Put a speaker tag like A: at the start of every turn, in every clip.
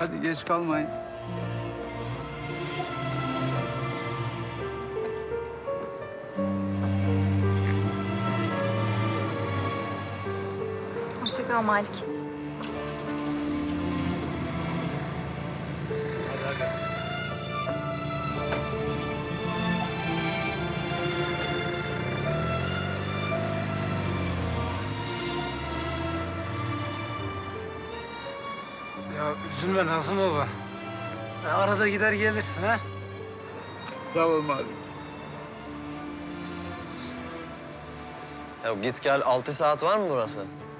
A: Hadi geç kalmayın.
B: Hoşça kal Malik.
C: Ya üzülme Nazım baba. Ya arada gider gelirsin ha.
A: Sağ ol Malik.
D: Ya git gel 6 saat var mı burası?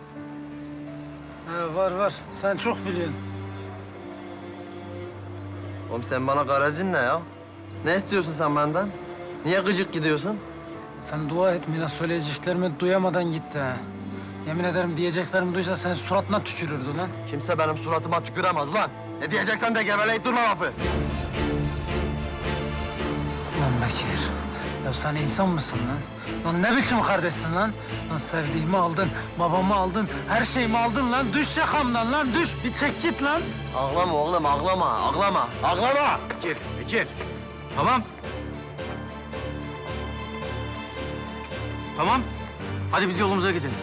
C: Ha, var. Sen çok biliyorsun.
D: Oğlum sen bana garazin ne ya? Ne istiyorsun sen benden? Niye gıcık gidiyorsun?
C: Sen dua et Mina söyleyeceklerimi duyamadan gitti ha. Yemin ederim diyeceklerimi duysa sen suratına tükürürdü lan.
D: Kimse benim suratıma tüküremez lan. Ne diyeceksen de geveleyip durma lafı.
C: Lan Bekir, ya sen insan mısın lan? Lan ne biçim kardeşsin lan? Lan sevdiğimi aldın, babamı aldın, her şeyimi aldın lan. Düş yakamdan lan, düş. Bir çek git lan.
D: Ağlama oğlum, ağlama.
E: Bekir. Tamam. Tamam. Hadi biz yolumuza gidelim.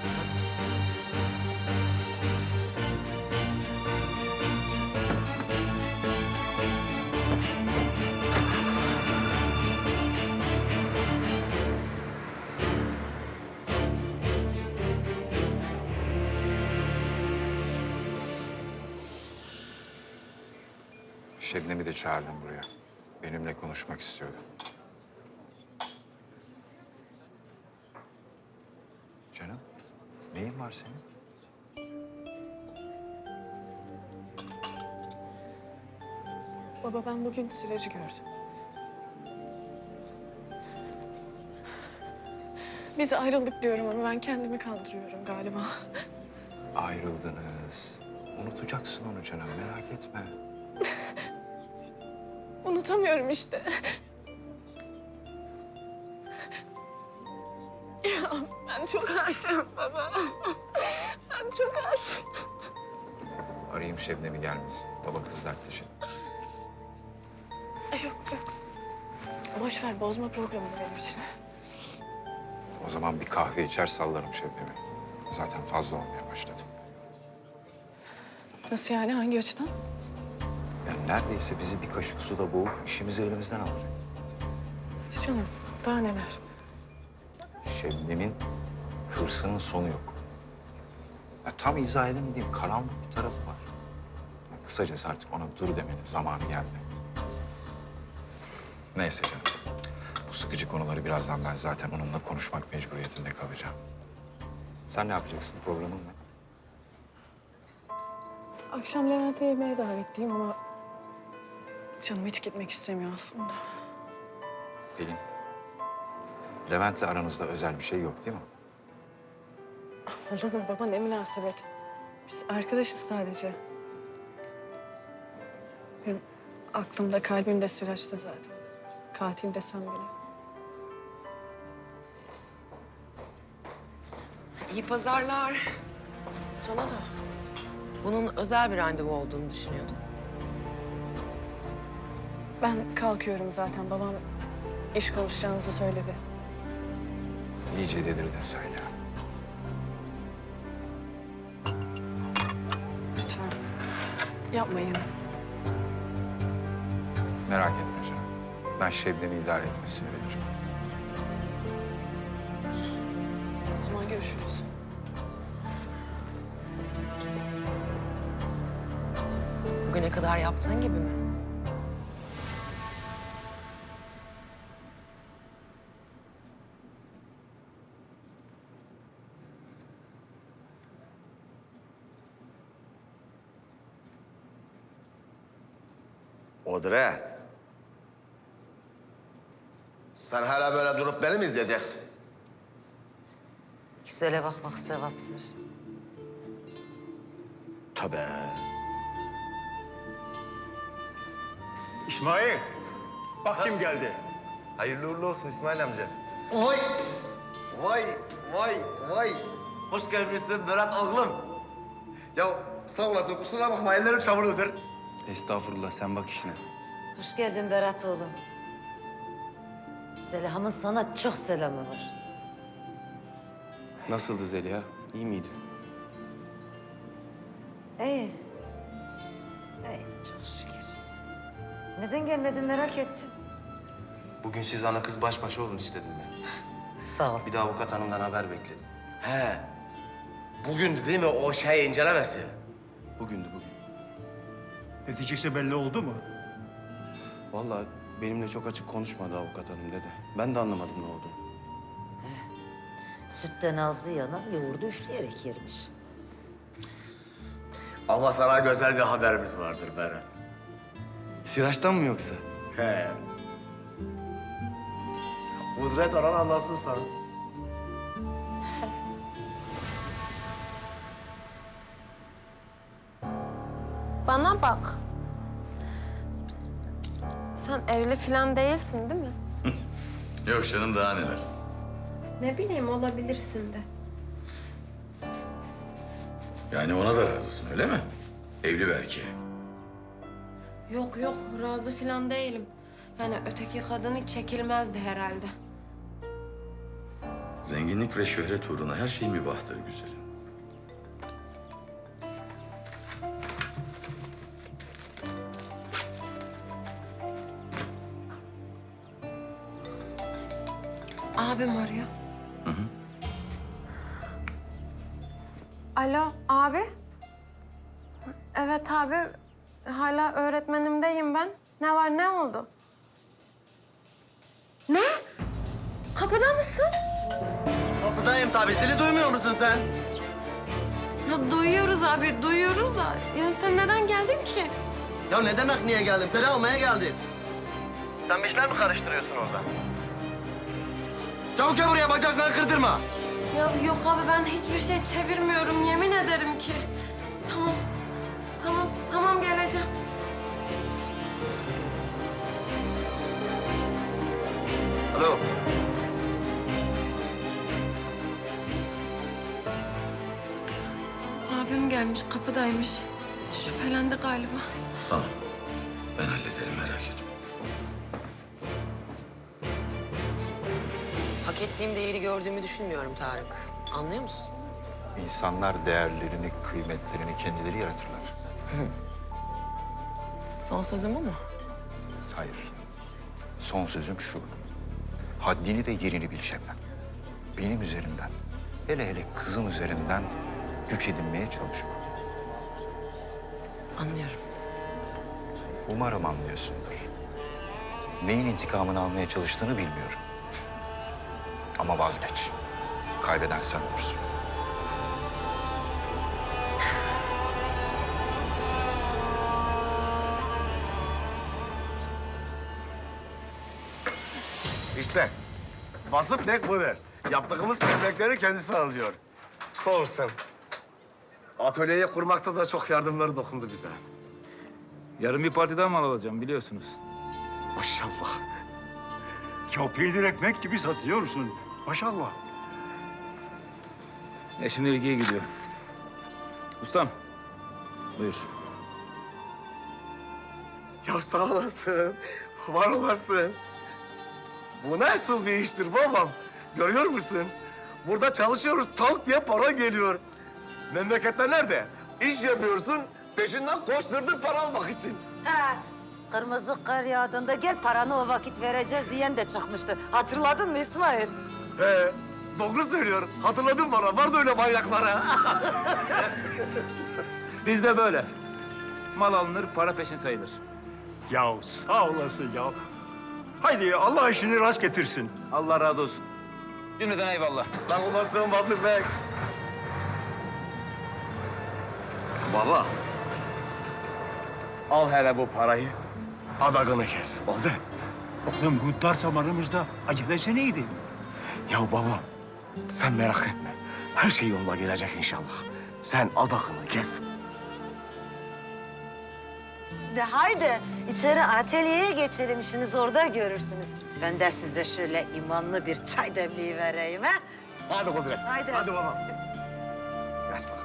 F: Şebnem'i de çağırdım buraya. Benimle konuşmak istiyordu. Canım, neyin var senin?
G: Baba ben bugün Siracı gördüm. Biz ayrıldık diyorum ama ben kendimi kandırıyorum galiba.
F: Ayrıldınız. Unutacaksın onu canım, merak etme.
G: Unutamıyorum işte. Ya ben çok aşığım baba. Ben çok aşığım.
F: Arayayım Şebnem'i gelmesin. Baba kız dertleşelim.
G: Yok. Boş ver bozma programını benim için.
F: O zaman bir kahve içer sallarım Şebnem'i. Zaten fazla olmaya başladı.
G: Nasıl yani hangi açıdan?
F: Yani neredeyse bizi bir kaşık suda boğup işimizi elimizden alacak.
G: Hadi canım daha neler?
F: Şebnem'in hırsının sonu yok. Ya tam izah edemediğim karanlık bir tarafı var. Ya kısacası artık ona dur demenin zamanı geldi. Neyse canım. Bu sıkıcı konuları birazdan ben zaten onunla konuşmak mecburiyetinde kalacağım. Sen ne yapacaksın? Programın ne?
G: Akşam Levent'e yemeğe davetliyim ama... canım hiç gitmek istemiyor aslında.
F: Pelin. Levent'le aranızda özel bir şey yok değil mi?
G: Olur mu baba ne münasebet. Biz arkadaşız sadece. Benim aklımda kalbimde Sıraç'ta zaten. Katil desem bile.
H: İyi pazarlar.
G: Sana da.
H: Bunun özel bir randevu olduğunu düşünüyordum.
G: Ben kalkıyorum zaten. Babam iş konuşacağınızı söyledi.
F: İyice delirdin sen ya.
G: Lütfen yapmayın.
F: Merak etme canım. Ben Şebnem'i idare etmesini bilirim.
G: O zaman görüşürüz.
H: Bugüne kadar yaptığın gibi mi?
I: Kudret. Sen hala böyle durup beni mi izleyeceksin?
H: Güzele bakmak sevaptır.
I: Tabii.
E: İsmail. Bak kim geldi.
I: Hayırlı uğurlu olsun İsmail amca. Vay! Vay! Hoş gelmişsin Berat oğlum. Ya sağ olasın, kusura bakma ellerim çamurludur.
B: Estağfurullah, sen bak işine.
J: Hoş geldin Berat oğlum. Zeliha'mın sana çok selamı var.
B: Nasıldı Zeliha? İyi miydi?
J: İyi. İyi, çok şükür. Neden gelmedin merak ettim.
B: Bugün siz ana kız baş başa olun istedim ben.
J: Sağ ol.
B: Bir de avukat hanımdan haber bekledim.
I: He. Bugündü değil mi o şey incelemesi?
B: Bugündü bugün.
E: Neticesi belli oldu mu?
B: Vallahi benimle çok açık konuşmadı avukat hanım dedi. Ben de anlamadım ne olduğunu.
J: Sütten ağzı yanan yoğurdu üfleyerek yermiş.
I: Ama sana güzel bir haberimiz vardır Berat.
B: Siraç'tan mı yoksa?
I: He. Kudret anan anlasın sana.
K: Bana bak. Sen evli falan değilsin değil mi?
F: Yok canım daha neler.
K: Ne bileyim olabilirsin de.
F: Yani ona da razısın öyle mi? Evli belki.
K: Yok yok razı falan değilim. Yani öteki kadın hiç çekilmezdi herhalde.
F: Zenginlik ve şöhret uğruna her şey mübahtır güzelim.
K: Abim arıyor. Alo abi. Evet abi. Hala öğretmenimdeyim ben. Ne var ne oldu? Ne? Kapıda mısın?
D: Kapıdayım tabii. Zili duymuyor musun sen?
K: Ya duyuyoruz abi, duyuyoruz da. Yani sen neden geldin ki?
D: Ya ne demek niye geldim? Seni almaya geldim. Sen bir işler mi karıştırıyorsun orada? Çabuk gel buraya, bacakları kırdırma.
K: Ya yok abi ben hiçbir şey çevirmiyorum yemin ederim ki. Tamam. Tamam geleceğim.
D: Alo.
K: Abim gelmiş, kapıdaymış. Şüphelendi galiba.
F: Tamam. Ben hallederim merak etme.
H: Hak ettiğim değeri gördüğümü düşünmüyorum Tarık. Anlıyor musun?
F: İnsanlar değerlerini, kıymetlerini kendileri yaratırlar.
H: Son sözüm o mu?
F: Hayır. Son sözüm şu. Haddini ve yerini bil Şebnem. Benim üzerimden, hele hele kızım üzerinden güç edinmeye çalışma.
H: Anlıyorum.
F: Umarım anlıyorsundur. Neyin intikamını almaya çalıştığını bilmiyorum. Ama vazgeç. Kaybeden sen olursun.
I: İşte basıp nek budur. Yaptığımız emekleri kendisi alıyor. Sağ olsun. Atölyeyi kurmakta da çok yardımları dokundu bize.
E: Yarın bir partiden mal alacağım biliyorsunuz.
I: Maşallah.
E: Ya peynir ekmek gibi satıyorsun. Maşallah. Şimdi ilgiye gidiyor. Ustam, buyur.
I: Ya sağ olasın. Var olasın. Bu nasıl bir iştir babam? Görüyor musun? Burada çalışıyoruz, tavuk diye para geliyor. Memlekette nerede? İş yapıyorsun, peşinden koşturduk para almak için.
J: Ha, kırmızı kar yağdığında gel paranı o vakit vereceğiz diyen de çıkmıştı. Hatırladın mı İsmail?
I: He, doğru söylüyor. Hatırladın bana, vardı öyle manyaklara.
E: Bizde böyle. Mal alınır, para peşin sayılır.
L: Ya sağ olasın ya. Haydi Allah işini rast getirsin.
E: Allah razı olsun. Cümleden eyvallah.
I: Sağ olasın Basır Bey. Baba. Al hele bu parayı. Adakını kes. Oldu.
L: Oğlum bu dar zamanımızda acelesi neydi?
I: Ya baba, sen merak etme. Her şey yoluna girecek inşallah. Sen adakını kes.
J: De haydi içeri atölyeye geçelim, işiniz orada görürsünüz. Ben de size şöyle imanlı bir çay demliği vereyim ha.
I: Hadi Kudret.
J: Haydi.
I: Hadi babam. Geç bakalım.